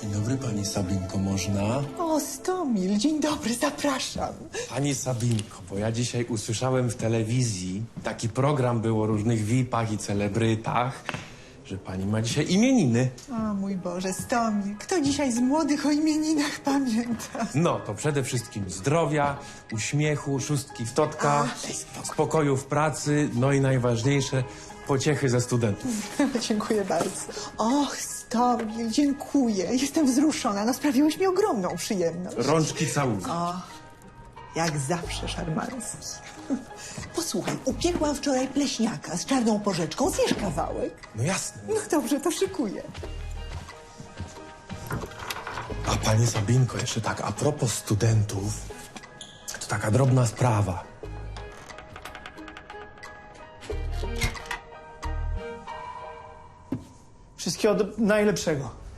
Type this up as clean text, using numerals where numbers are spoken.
Dzień dobry, pani Sabinko, można? O, Stomil, dzień dobry, zapraszam. Pani Sabinko, bo ja dzisiaj usłyszałem w telewizji, taki program był o różnych VIP-ach i celebrytach, że pani ma dzisiaj imieniny. O mój Boże, Stomil, kto dzisiaj z młodych o imieninach pamięta? No, to przede wszystkim zdrowia, uśmiechu, szóstki w totka, spokoju w pracy, no i najważniejsze, pociechy ze studentów. Dziękuję bardzo. Och, Stomil, dziękuję. Jestem wzruszona, no sprawiłeś mi ogromną przyjemność. Rączki całunki. Jak zawsze szarmancki. Posłuchaj, upiekłam wczoraj pleśniaka z czarną porzeczką. Zjesz kawałek? No jasne. No dobrze, to szykuję. A pani Sabinko, jeszcze tak, a propos studentów, to taka drobna sprawa. Wszystkiego najlepszego.